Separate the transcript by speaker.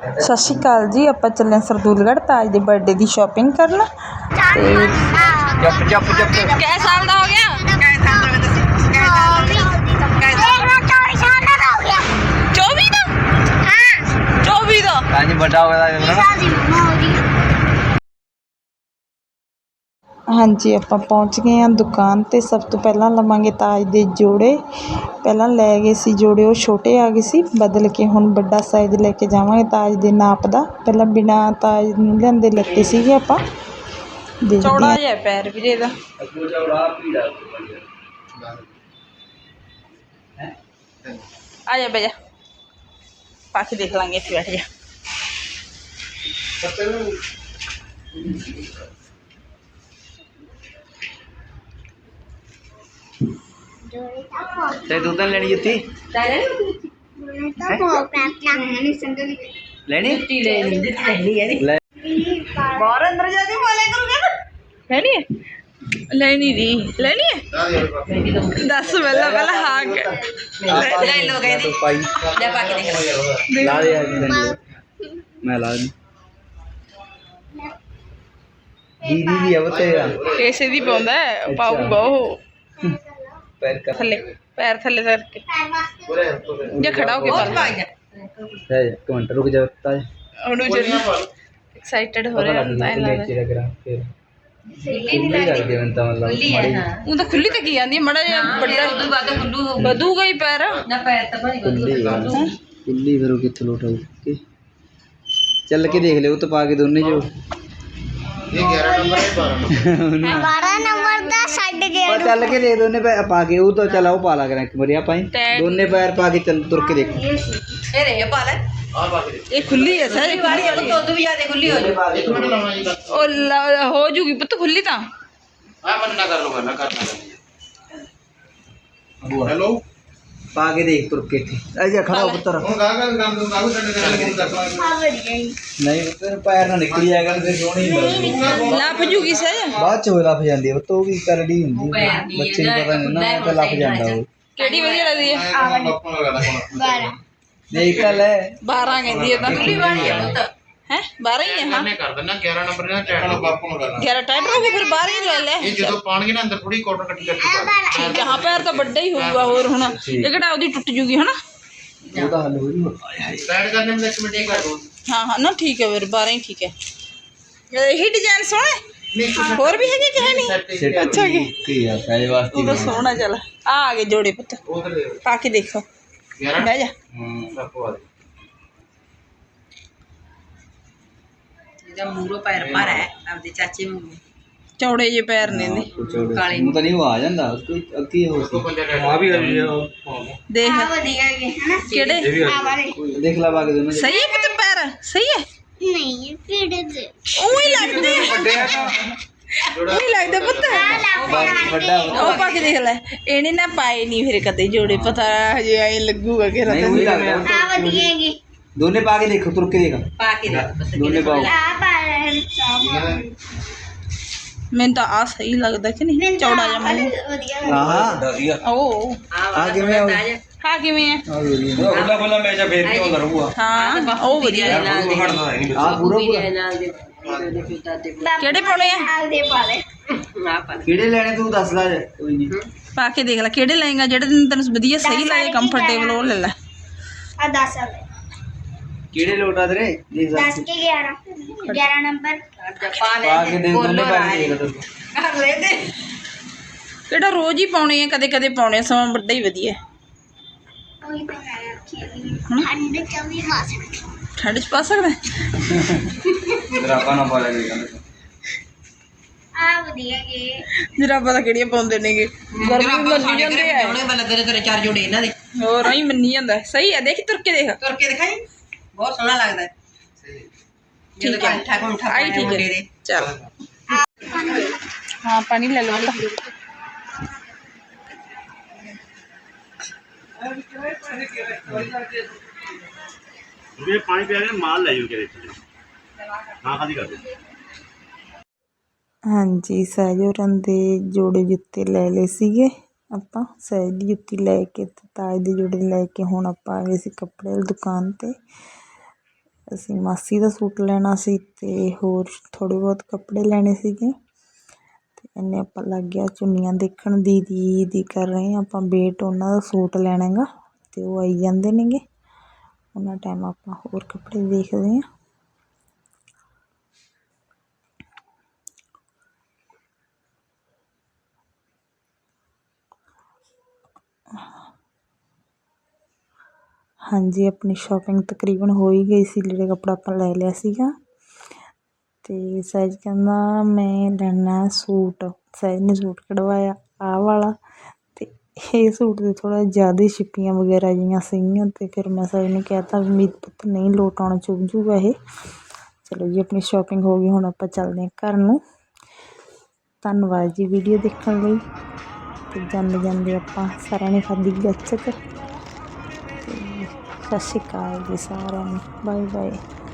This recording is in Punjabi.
Speaker 1: ਸਤਿ ਸ਼੍ਰੀ ਅਕਾਲ ਜੀ। ਆਪਾਂ ਚੱਲੇ ਸਰਦੂਲਗੜ੍ਹ ਤਾਜ ਦੇ ਬਰਥਡੇ ਦੀ ਸ਼ਾਪਿੰਗ ਕਰਨ ਤੇ
Speaker 2: ਕਿੰਨੇ ਸਾਲ ਦਾ ਹੋ ਗਿਆ? 24 ਦਾ? ਹਾਂ 24 ਦਾ।
Speaker 3: ਕਾਂਜੀ ਵੱਡਾ ਹੋ ਗਿਆ
Speaker 1: ਹਾਂਜੀ ਆਪਾਂ ਪਹੁੰਚ ਗਏ ਹਾਂ ਦੁਕਾਨ ਤੇ। ਸਭ ਤੋਂ ਪਹਿਲਾਂ ਲਵਾਂਗੇ ਤਾਜ ਦੇ ਜੋੜੇ। ਪਹਿਲਾਂ ਲੈ ਗਏ ਸੀ ਜੋੜੇ, ਉਹ ਛੋਟੇ ਆ ਗਏ ਸੀ, ਬਦਲ ਕੇ ਹੁਣ ਵੱਡਾ ਸਾਈਜ਼ ਲੈ ਕੇ ਜਾਵਾਂਗੇ ਤਾਜ ਦੇ ਨਾਪ ਦਾ। ਪਹਿਲਾਂ ਬਿਨਾਂ ਤਾਜ ਨੂੰ ਲਿਆਂਦੇ ਲੱਤੇ ਸੀਗੇ ਆਪਾਂ।
Speaker 2: ਚੌੜਾ ਜਿਹਾ ਪੈਰ ਵੀਰੇ ਇਹਦਾ। ਆ ਜਾ ਬੇਜਾ, ਪਾ ਕੇ ਦੇਖ ਲਾਂਗੇ। ਇੱਥੇ ਬੈਠ ਜਾ।
Speaker 3: ਤੇ ਦੁੱਧ ਲੈਣੀ ਜੁੱਤੀ ਲੈਣੀ ਲੈ
Speaker 2: ਬਾਹਰ ਅੰਦਰ ਜਾ ਕੇ ਬੋਲਿਆ ਕਰੂਗਾ। ਲੈਣੀ ਹੈ? ਲੈਣੀ ਨਹੀਂ ਲੈਣੀ ਹੈ? ਦੱਸ ਪਹਿਲਾਂ ਹਾਂ ਲੈ ਲੋ ਕਹਿੰਦੀ।
Speaker 3: ਪਾਈ
Speaker 2: ਲੈ ਪਾ ਕੇ ਦੇਖ
Speaker 3: ਲਾ ਦੇ ਯਾਰ, ਮੈਂ ਲਾ ਦੀ ਦੀਦੀ ਦੀ ਆ ਤੇਰਾ
Speaker 2: ਇਸੇ ਦੀ ਪਾਉਂਦਾ ਹੈ, ਪਾਊਗਾ ਉਹ।
Speaker 3: ਪੈਰ ਕਰ
Speaker 2: ਥੱਲੇ ਪੈਰ ਥੱਲੇ ਧਰ ਕੇ ਜਾਂ ਖੜਾ ਹੋ ਕੇ ਪਾ ਲੈ।
Speaker 3: ਹੈ ਕਮੈਂਟ ਰੁਕ ਜਾ ਤਾਜ
Speaker 2: ਉਹਨੂੰ ਜਰੀ ਐਕਸਾਈਟਡ ਹੋ ਰਿਹਾ ਹੁੰਦਾ ਹੈ।
Speaker 3: ਲੈ ਕੇ ਕਰਾਂ ਫਿਰ ਕਿੰਨੀ ਲੱਗਦੀ ਮੈਂ ਤਾਂ ਮਤਲਬ
Speaker 2: ਉਹ ਤਾਂ ਖੁੱਲੀ ਤੇ ਕੀ ਆਂਦੀ ਮੜਾ ਜਿਹਾ ਵੱਡਾ ਉਦੋਂ ਬਾਅਦ ਖੁੱਲੂ ਵਧੂਗਾ ਹੀ ਪੈਰ ਨਾ। ਪੈਰ ਤਾਂ ਭਾਈ
Speaker 3: ਕੁੱਲੀ ਫਿਰ ਉਹ ਕਿੱਥੋਂ ਲੋਟ ਆਊ ਕਿ ਚੱਲ ਕੇ ਦੇਖ ਲਿਓ ਉਹ ਤਾਂ ਪਾ ਕੇ ਦੋਨੇ ਜੋ ਇਹ 11 ਨੰਬਰ ਹੈ 12
Speaker 4: ਨੰਬਰ ਦਾ ਛੱਡ ਗਿਆ।
Speaker 3: ਪਰ ਚੱਲ ਕੇ ਦੇ ਦੋਨੇ ਪੈਰ ਪਾ ਕੇ ਉਹ ਤਾਂ ਚੱਲ ਉਹ ਪਾ ਲਾ ਕਰਾਂ ਇੱਕ ਵਾਰੀ ਆਪਾਂ ਦੋਨੇ ਪੈਰ ਪਾ ਕੇ ਚੱਲ ਤੁਰ ਕੇ ਦੇਖ।
Speaker 2: ਇਹ ਰੇ ਪਾ ਲੈ ਆ ਪਾ ਕੇ ਇਹ ਖੁੱਲੀ ਹੈ ਸਰ। ਖੁੱਲੀ ਹੈ ਦੁੱਧ ਵੀ ਜਿਆਦਾ ਖੁੱਲੀ ਹੋ ਜੂ। ਉਹ ਹੋ ਜੂਗੀ ਪੁੱਤ ਖੁੱਲੀ ਤਾਂ।
Speaker 5: ਆ ਮਨ ਨਾ ਕਰ ਲੋ ਨਾ ਕਰਨਾ। ਹੈਲੋ
Speaker 3: ਪਾ ਕੇ ਦੇਖ ਤੁਰ ਕੇ ਇੱਥੇ ਆ ਜਾ ਖੜਾ ਹੋ ਪੁੱਤਰ।
Speaker 5: ਹੁਣ ਗਾਗਾ ਕੰਮ ਦੂੰ ਗਾਗੂ ਛੱਡ ਕੇ ਚੱਲ ਕੇ ਦੱਸ।
Speaker 3: ਨਹੀਂ ਤੇਰੇ ਪੈਰ ਨਾਲ ਨਿਕਲੀ ਜਾਏਗਾ ਤੇ ਸੋਹਣੀ ਲੱਗਦੀ।
Speaker 2: ਲੱਭ ਜੂਗੀ ਸਰ।
Speaker 3: ਬਾਅਦ ਚ ਲੱਭ ਜਾਂਦੀ ਉਹ ਤੋਂ ਵੀ ਕਰੜੀ ਹੁੰਦੀ ਹੈ, ਬੱਚੇ ਨੂੰ ਪਤਾ ਨਹੀਂ ਨਾ ਤਾਂ ਲੱਭ ਜਾਂਦਾ ਉਹ।
Speaker 2: ਕਿਹੜੀ ਵਧੀਆ ਲੱਗਦੀ ਹੈ?
Speaker 5: ਬਾਪੂ ਨੂੰ ਲਗਾਦਾ ਕੋਣ
Speaker 3: ਦੇਖ ਤਾਂ ਲੈ
Speaker 2: 12 ਕਹਿੰਦੀ ਹੈ ਤਾਂ ਖੁੱਲੀ ਵਾਲੀ ਹੈ ਪੁੱਤ। ਹੈ 12 ਹੀ ਹੈ। ਹਾਂ
Speaker 5: ਮੈਂ ਕਰ ਦਿੰਦਾ 11 ਨੰਬਰ ਨਾਲ ਚੈਟ ਨਾਲ ਬਾਪੂ ਨੂੰ ਕਰਨਾ।
Speaker 2: 11 ਟਾਈਟ ਹੋ ਗਈ ਫਿਰ 12 ਹੀ ਲੈ ਲੈ।
Speaker 5: ਇਹ ਜਦੋਂ ਪਾਣਗੇ ਨਾ ਅੰਦਰ ਥੋੜੀ ਕਾਟਨ ਕੱਟੀ ਕਰਕੇ ਪਾ
Speaker 2: ਠੀਕ ਹੈ। ਹਾਂ ਪੈਰ ਤਾਂ ਵੱਡਾ ਹੀ ਹੋਊਗਾ ਹੋਰ ਹੁਣ ਇਹ ਕਿਹੜਾ ਉਹਦੀ ਟੁੱਟ ਜੂਗੀ ਹਨਾ।
Speaker 3: ਉਹਦਾ ਹੱਲ ਹੋ ਜੂ।
Speaker 5: ਸਾਈਡ ਕਰਨੇ में 1 ਮਿੰਟ ਕਰ ਦੋ।
Speaker 2: ਹਾਂ ਹਾਂ ਨਾ ਠੀਕ ਹੈ ਫਿਰ 12 ਹੀ ਠੀਕ ਹੈ। ਇਹੀ ਡਿਜ਼ਾਈਨ ਸੋਹਣਾ ਹੋਰ ਵੀ ਹੈਗੇ ਕਿ ਹੈ ਨਹੀਂ? ਅੱਛਾ
Speaker 3: ਕੀ ਆ ਸਾਰੇ ਵਾਸਤੇ
Speaker 2: ਉਹ ਤਾਂ ਸੋਹਣਾ ਚੱਲ ਆ ਗਏ ਜੋੜੇ ਪੁੱਤ
Speaker 5: ਉਧਰ
Speaker 2: ਪਾ ਕੇ ਦੇਖੋ।
Speaker 5: 11
Speaker 2: ਬਹਿ ਜਾ।
Speaker 5: ਬਾਪੂ ਆ
Speaker 6: ਇਹਦਾ ਮੂਰੋ ਪੈਰ ਪਰ ਹੈ ਆਪਦੇ ਚਾਚੇ ਵਾਂਗੂ।
Speaker 2: ਚੌੜੇ ਜਿਹੇ ਪੈਰ ਨੇ ਇਹਦੇ।
Speaker 3: ਕਾਲੇ ਨੂੰ ਤਾਂ ਨਹੀਂ ਆ ਜਾਂਦਾ ਕੋਈ ਅੱਗੇ ਹੋ ਸੀ ਆ ਵੀ
Speaker 2: ਦੇਖ
Speaker 4: ਵਧੀਆ ਹੈਗੇ ਹਨਾ।
Speaker 2: ਕਿਹੜੇ
Speaker 4: ਆ ਵਾਲੇ
Speaker 3: ਦੇਖ ਲਾ ਬਾਗੇ ਦੋਨੋਂ
Speaker 2: ਸਹੀ ਹੈ ਪੁੱਤ ਪੈਰ ਸਹੀ ਹੈ।
Speaker 4: ਨਹੀਂ ਕਿਹੜੇ ਦੇ
Speaker 2: ਉਹੀ ਲੱਗਦੇ ਉਹੀ ਲੱਗਦਾ ਪੁੱਤ।
Speaker 3: ਵੱਡਾ
Speaker 2: ਉਹ ਪਾ ਕੇ ਦੇਖ ਲੈ। ਇਹਨੇ ਨਾ ਪਾਏ ਨਹੀਂ ਫਿਰ ਕਦੇ ਜੋੜੇ ਪਤਾ ਹਜੇ ਐ ਲੱਗੂਗਾ ਕਿ
Speaker 3: ਨਹੀਂ ਉਹੀ ਲੱਗਦਾ
Speaker 4: ਆ ਵਧੀਆ ਹੈਗੇ।
Speaker 3: ਦੋਨੇ ਪਾ ਕੇ ਦੇਖੋ ਤੁਰ ਕੇ ਦੇਖ
Speaker 6: ਪਾ ਕੇ ਦੇਖ
Speaker 3: ਦੋਨੇ ਪਾਓ
Speaker 4: ਆ ਪਾ ਰਹੇ
Speaker 2: ਮੈਨੂੰ ਤਾਂ ਆ ਸਹੀ ਲੱਗਦਾ ਕਿ ਨਹੀਂ ਚੌੜਾ ਜਿਹਾ ਮੂੰਹ।
Speaker 4: ਵਧੀਆ
Speaker 3: ਹਾਂ
Speaker 2: ਉਹ
Speaker 3: ਆ ਕਿਵੇਂ ਆ
Speaker 2: ਹਾਂ ਕਿਵੇਂ ਹੈ?
Speaker 3: ਆ ਵੇਲੀ
Speaker 5: ਖੁੱਲਾ ਖੁੱਲਾ ਮੈਂ ਜਾ ਫੇਰ ਕਿਉਂ ਕਰੂਗਾ।
Speaker 2: ਹਾਂ ਉਹ ਵਧੀਆ
Speaker 3: ਆ ਪੂਰਾ ਪੂਰਾ
Speaker 6: ਨਾਲ ਦੇ ਦਾਦੇ
Speaker 2: ਕਿਹੜੇ ਪਾਉਣੇ ਆ?
Speaker 4: ਨਾਲ ਦੇ ਪਾ ਲੈ।
Speaker 6: ਆ ਪਾ
Speaker 3: ਕਿਹੜੇ ਲੈਣੇ ਤੂੰ ਦੱਸ ਲੈ ਕੋਈ ਨਹੀਂ
Speaker 2: ਪਾ ਕੇ ਦੇਖ ਲੈ ਕਿਹੜੇ ਲਏਗਾ ਜਿਹੜੇ ਤੈਨੂੰ ਵਧੀਆ ਸਹੀ ਲੱਗੇ ਕੰਫਰਟੇਬਲ ਉਹ ਲੈ ਲੈ।
Speaker 4: ਆ 10 ਵਾਲੇ
Speaker 3: ਕਿਹੜੇ ਲੋਟਾ ਤੇਰੇ ਦੇਖ
Speaker 4: 10 ਕੇ 11 ਨੰਬਰ
Speaker 3: ਪਾ ਕੇ ਦੇ ਦੋਨੇ ਪਾ ਕੇ ਦੇਖ
Speaker 6: ਕਰ ਲੈ ਦੇ।
Speaker 2: ਕਿਹੜਾ ਰੋਜ਼ ਹੀ ਪਾਉਣੇ ਆ ਕਦੇ ਕਦੇ ਪਾਉਣੇ ਸਮਾਂ ਵੱਡਾ ਹੀ ਵਧੀਆ।
Speaker 4: ਉਹੀ ਤਾਂ ਮੈਂ ਰੱਖੀ ਠੰਡ ਚ ਵੀ ਪਾ ਸਕਦੀ।
Speaker 2: ਠੰਡ ਚ ਪਾ ਸਕਦਾ
Speaker 3: ਜਰਾਬਾਂ ਨਾ ਪਾ ਲੈ
Speaker 4: ਆ ਵਧੀਆ ਹੈਗੇ।
Speaker 2: ਜਰਾਬਾਂ ਤਾਂ ਕਿਹੜੀਆਂ ਪਾਉਂਦੇ ਨੇਗੇ ਗਰਮੀ ਮੰਨੀ ਜਾਂਦੇ ਆ।
Speaker 6: ਉਹਨੇ ਬੱਲੇ ਤੇਰੇ 4 ਜੋੜੇ ਇਹਨਾਂ ਦੇ
Speaker 2: ਹੋਰ ਹੀ ਮੰਨੀ ਜਾਂਦਾ ਸਹੀ ਆ। ਦੇਖ ਤੁਰ ਕੇ ਦੇਖ
Speaker 6: ਤੁਰ ਕੇ ਦਿਖਾਈ ਬਹੁਤ ਸੋਹਣਾ ਲੱਗਦਾ ਹੈ।
Speaker 2: ਠੀਕ ਹੈ
Speaker 6: ਠਾਕ ਮੁੰਠਾ
Speaker 2: ਆਈ ਠੀਕ
Speaker 6: ਮੁੰਡੇ
Speaker 2: ਹੈ
Speaker 6: ਦੇ
Speaker 2: ਚਲ ਹਾਂ ਪਾਣੀ ਲੈ ਲਓ
Speaker 5: ये पानी पिया के माल ले जाओ के हाँ खाली कर दो।
Speaker 1: ਹਾਂਜੀ ਸਹਿਜ ਹੋਰਾਂ ਦੇ ਜੋੜੇ ਜੁੱਤੇ ਲੈ ਲਏ ਸੀਗੇ ਆਪਾਂ। ਸਹਿਜ ਦੀ ਜੁੱਤੀ ਲੈ ਕੇ ਤੇ ਤਾਜ ਦੇ ਜੋੜੇ ਲੈ ਕੇ ਹੁਣ ਆਪਾਂ ਆ ਗਏ ਸੀ ਕੱਪੜੇ ਵਾਲੀ ਦੁਕਾਨ ਤੇ। ਅਸੀਂ ਮਾਸੀ ਦਾ ਸੂਟ ਲੈਣਾ ਸੀ ਅਤੇ ਹੋਰ ਥੋੜ੍ਹੇ ਬਹੁਤ ਕੱਪੜੇ ਲੈਣੇ ਸੀਗੇ। ਅਤੇ ਇੰਨੇ ਆਪਾਂ ਲੱਗ ਗਿਆ ਚੁੰਨੀਆਂ ਦੇਖਣ। ਦੀਦੀ ਕਰ ਰਹੇ ਹਾਂ ਆਪਾਂ ਵੇਟ, ਉਹਨਾਂ ਦਾ ਸੂਟ ਲੈਣਾ ਗਾ ਅਤੇ ਉਹ ਆਈ ਜਾਂਦੇ ਨੇਗੇ। ਉਹਨਾਂ ਟਾਈਮ ਆਪਾਂ ਹੋਰ ਕੱਪੜੇ ਦੇਖਦੇ ਹਾਂ। ਹਾਂਜੀ, ਆਪਣੀ ਸ਼ੋਪਿੰਗ ਤਕਰੀਬਨ ਹੋ ਹੀ ਗਈ ਸੀ। ਲੀੜਾ ਕੱਪੜਾ ਆਪਾਂ ਲੈ ਲਿਆ ਸੀਗਾ ਅਤੇ ਸਹਿਜ ਕਹਿੰਦਾ ਮੈਂ ਲੈਣਾ ਸੂਟ। ਸਹਿਜ ਨੇ ਸੂਟ ਕਢਵਾਇਆ ਆਹ ਵਾਲਾ, ਅਤੇ ਇਹ ਸੂਟ ਦੇ ਥੋੜ੍ਹਾ ਜ਼ਿਆਦਾ ਛਿੱਪੀਆਂ ਵਗੈਰਾ ਜਿਹੀਆਂ ਸੀਗੀਆਂ ਅਤੇ ਫਿਰ ਮੈਂ ਸਹਿਜ ਨੂੰ ਕਹਿ ਤਾ ਵੀ ਮੀਤ ਪੁੱਤ ਨਹੀਂ ਲੋਟ ਆਉਣਾ, ਚੁੱਭ ਜੂਗਾ ਇਹ। ਚਲੋ ਜੀ, ਆਪਣੀ ਸ਼ੋਪਿੰਗ ਹੋ ਗਈ, ਹੁਣ ਆਪਾਂ ਚੱਲਦੇ ਹਾਂ ਘਰ ਨੂੰ। ਧੰਨਵਾਦ ਜੀ ਵੀਡੀਓ ਦੇਖਣ ਲਈ। ਅਤੇ ਜਾਂਦੇ ਆਪਾਂ ਸਾਰਿਆਂ ਨੇ ਖਾਧੀ ਗੱਚਕ। ਅਤੇ ਸਤਿ ਸ਼੍ਰੀ ਅਕਾਲ ਜੀ ਸਾਰਿਆਂ ਨੂੰ, ਬਾਏ ਬਾਏ।